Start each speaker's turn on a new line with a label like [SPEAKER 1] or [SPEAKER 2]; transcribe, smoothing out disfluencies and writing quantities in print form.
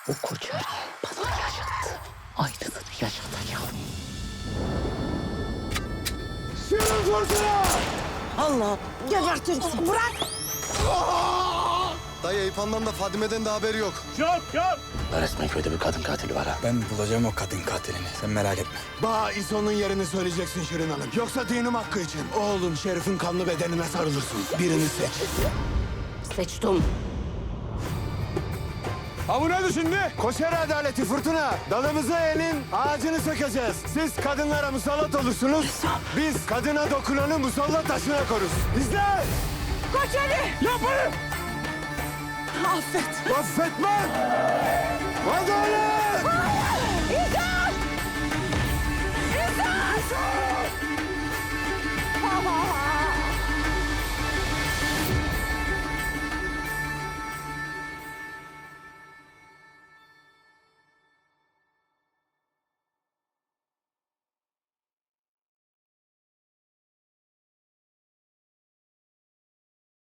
[SPEAKER 1] O Koçer'i bana yaşattı. Aynısını yaşatacağım.
[SPEAKER 2] Şirin kurtuna!
[SPEAKER 3] Allah gebertin bırak.
[SPEAKER 2] Dayı Eyüphan'dan da Fadime'den de haberi yok.
[SPEAKER 1] Resmen köyde bir kadın katili var ha.
[SPEAKER 4] Ben bulacağım o kadın katilini. Sen merak etme.
[SPEAKER 2] Bana İso'nun yerini söyleyeceksin Şirin Hanım. Yoksa dinim hakkı için. Oğlum Şerif'in kanlı bedenine sarılırsın. Birini seç.
[SPEAKER 3] Seçtim.
[SPEAKER 2] Ha bu nedir şimdi? Koşer adaleti fırtına. Dalımızı elin ağacını sökeceğiz. Siz kadınlara musallat olursunuz. Biz kadına dokunanı musallat taşına koruz. İzle!
[SPEAKER 3] Koç Ali.
[SPEAKER 2] Yapmayın!
[SPEAKER 3] Affet.
[SPEAKER 2] Affetmem! Adalet!